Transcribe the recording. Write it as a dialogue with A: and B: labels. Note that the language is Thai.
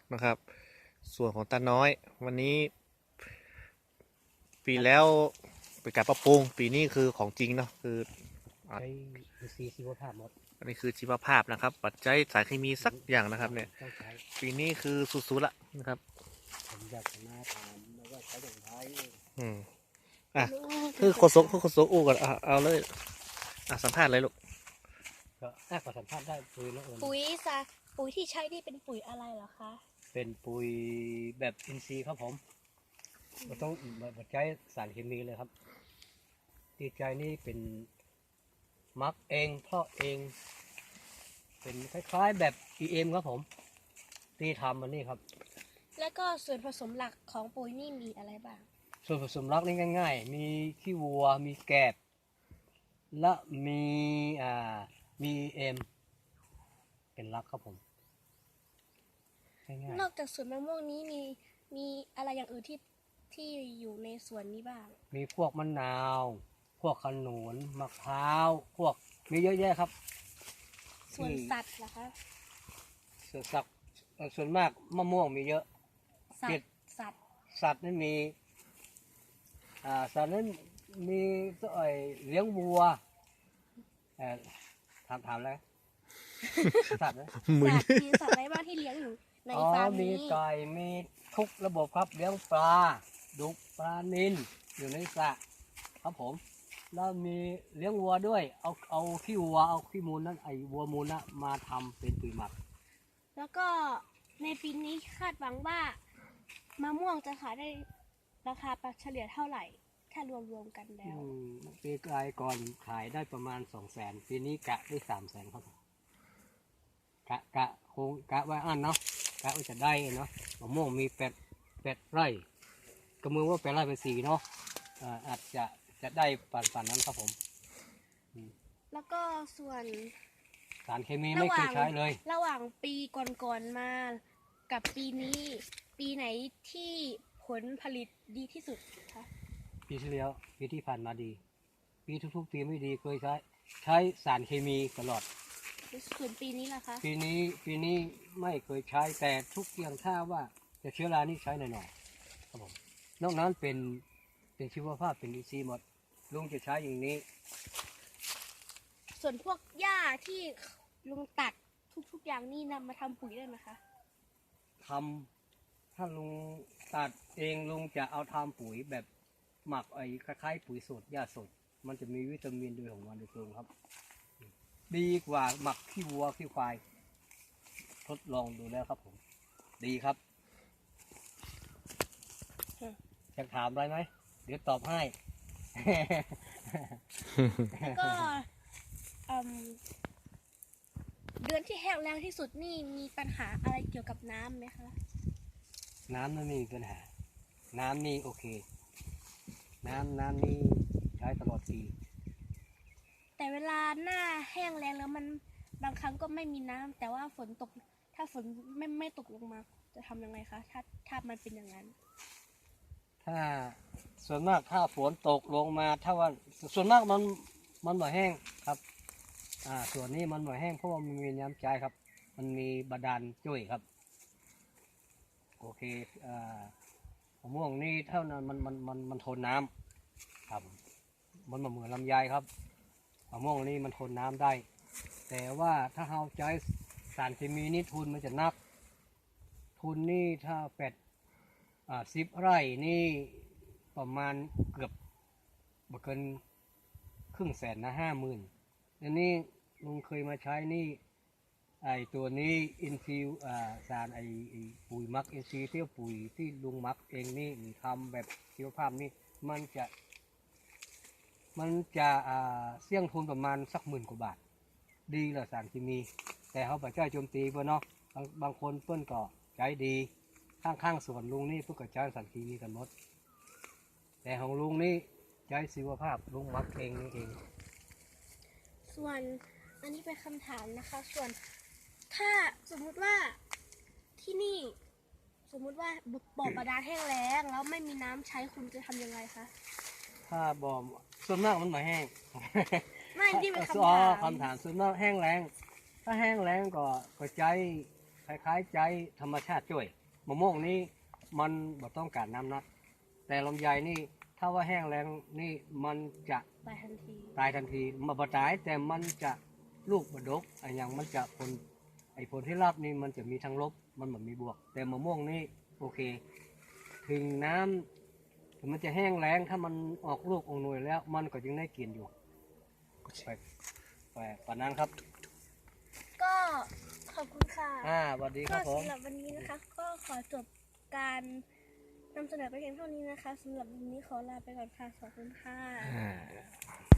A: นะครับ ส่วนของตาน้อยวันนี้ ปีแล้วเป็นการปรับปรุงปีนี้คือของจริงเนาะคือ
B: ใช้อินทรีย์ชีวภาพหมด
A: อันนี้คือชีวภาพนะครับ ปัจจัยสารเคมีสักอย่างนะครับเนี่ย
B: ต้องใช้
A: ปีนี้คือสุดๆละนะครับ
B: ผมอยากจะมาถามแล้วว่าใช้อย่างไร
A: อืมอ่ะคือโฆษกอู้ก่อนเอาเลยสัมภาษณ์เลยลูก
B: ก็น่าขอสัมภาษณ์ได้ปุ๋ยแล้วเอิญ
C: ปุ๋ยที่ใช้นี่เป็นปุ๋ยอะไรเหรอคะ
B: เป็นปุ๋ยแบบอินทรีย์ครับผมไม่ต้องใช้สารเคมีเลยครับที่ใจนี่เป็นมักเองเพาะเอง เป็นคล้ายๆแบบ EM ครับผมที่ทำมันนี่ครับ
C: แล้วก็ส่วนผสมหลักของปุ๋ยนี่มีอะไรบ้าง
B: ส่วนผสมหลักนี่ง่ายๆ มีขี้วัว มีแกบ และมีเอ็มเป็นหลักครับผมง่าย
C: นอกจากสวนมะม่วงนี้มีอะไรอย่างอื่นที่อยู่ในสวนนี้บ้าง
B: ๆมีพวกมะนาว พวกขนุนมะพร้าวพวกมีเยอะแยะครับ
C: ส่วนสัตว์เหรอคะ
B: ส่วนสัตว์ส่วนมากมะม่วงมีเยอะ
C: สัต
B: เห็ด
C: ว์สัตว์
B: สัตว์นั้นมีสัตว์นั้นมีเลี้ยงวัวถามแล้วสัตว์นะ
A: มึน
C: มีสัตว์อะไรบ้างที่เลี้ยงอยู่ในฟาร์ม
B: มี
C: นี้
B: ไก่มีทุกระบบครับเลี้ยงปลาดุกปลานิลอยู่ในสระครับผมแล้วมีเลี้ยงวัวด้วยเอาขี้วัวเอาขี้มูลนั้นวัวมูลนะมาทำเป็นปุ๋ยหมัก
C: แล้วก็ในปีนี้คาดหวังว่ามะม่วงจะขายได้ราคาเฉลี่ยเท่าไหร่ถ้ารวมกันแล้ว
B: ปีกลายก่อนขายได้ประมาณ200,000ปีนี้กะได้300,000ครับกะคงกะไว้อันเนาะกะว่าจะได้เนาะมะม่วงมี8ไร่ก็มือว่า8ไร่เป็น4เนาะอาจจะได้ปันนั้นครับผม
C: แล้วก็ส่วน
B: สารเคมีไม่เคยใช้เลย
C: ระหว่างปีก่อนๆมากับปีนี้ ปีไหนที่ผลผลิตดีที่สุดคะ
B: ปีที่แล้วปีที่ผ่านมาดี ปีทุกๆปีไม่ดีเคยใช้สารเคมีตลอด
C: ส่วนปีนี้ล่ะคะ
B: ปีนี้ไม่เคยใช้แต่ทุกอย่างถ้าว่าจะเชื้อรานี่ใช้หน่อยๆครับผมนอกนั้นเป็นชีวภาพเป็นดีซีหมดลุงจะใช้อย่างนี้
C: ส่วนพวกหญ้าที่ลุงตัดทุกอย่างนี่นำมาทำปุ๋ยได้ไหมคะ
B: ทำถ้าลุงตัดเองลุงจะเอาทำปุ๋ยแบบหมักคล้ายๆปุ๋ยสดหญ้าสดมันจะมีวิตามินด้วยของมันโดยตรงครับ ดีกว่าหมักขี้วัวขี้ควายทดลองดูแล้วครับผม ดีครับอยากถามอะไรไหมเดี๋ยวตอบให้
C: แล้วก็เอิ่มเดือนที่แห้งแล้งที่สุดนี่มีปัญหาอะไรเกี่ยวกับน้ำไหมคะ
B: น้ำไม่มีปัญหา น้ำนี่โอเค น้ำนี่ใช้ตลอดปี
C: แต่เวลาหน้าแห้งแล้งแล้วมันบางครั้งก็ไม่มีน้ำแต่ว่าฝนตกถ้าฝนไม่ตกลงมาจะทำยังไงคะถ้ามันเป็นอย่างนั้น
B: ถ้าส่วนมากถ้าฝนตกลงมาถ้าว่าส่วนมากมันบ่แห้งครับส่วนนี้มันบ่แห้งเพราะว่ามันมีน้ำใจครับ มันมีบาดาลจุ้ยครับ โอเคมะม่วงนี่เท่านั้นมันทนน้ำครับ มันเหมือนลำไยครับมะม่วงนี่มันทนน้ำได้ แต่ว่าถ้าเราใช้สารเคมีนี่ทุนมันจะนัก ทุนนี่ถ้า10 ไร่นี่ประมาณเกือบบ่เกิน500,000นะ50,000อันนี้ลุงเคยมาใช้นี่ตัวนี้อินฟิวสารปุ๋ยมักอินทรีย์เที่ยวปุ๋ยที่ลุงมักเองนี่ทำแบบชีวภาพนี่มันจะเสี่ยงทุนประมาณสัก10,000 กว่าบาท ดีเหรอสารเคมี แต่เขาปัจจัยโจมตีเพื่อนเนาะบางคนเพื่อนก็ใจดีข้างสวนลุงนี่เพื่อนก็ใช้สารเคมีกันหมด แต่ของลุงนี่ใช้ชีวภาพลุงมักเองนี่เอง
C: ส่วนอันนี้เป็นคำถามนะคะ ส่วนถ้าสมมุติว่าที่นี่สมมุติว่าบ่อบาดาลแห้งแล้งแล้วไม่มีน้ำใช้คุณจะทำยังไงคะ
B: ถ้าบ่อส่วนมากมันมาแห้ง
C: ไม่ที่เป็นคำ
B: อ๋อ
C: ถาม
B: คำถามส่วนมากแห้งแล้งถ้าแห้งแล้งก็ใช้คล้ายๆใจธรรมชาติช่วยมะม่วงนี้มันบ่ต้องการน้ำนักแต่ลำไยนี่ถ้าว่าแห้งแล้งนี่มันจะ
C: ตายทันที
B: ตายทันทีมาบ่ตายแต่มันจะลูกบ่ดกไอ้อย่างมันจะผลที่รับนี่มันจะมีทั้งลบมันแบบมีบวก แต่มะม่วงนี่โอเค ถึงน้ำถึงมันจะแห้งแล้งถ้ามันออกลูกออกหน่วยแล้ว มันก็ยังได้กินอยู่ไปปานนั้นครับ
C: ก็ขอบคุณค่ะ
B: สวัสดีค
C: ก็
B: รับผม
C: สำหรับวันนี้นะคะ ก็ขอจบการนำเสนอไปเพียงเท่านี้นะคะสำหรับวันนี้ขอลาไปก่อนค่ะขอบคุณค่ะ
A: อ่า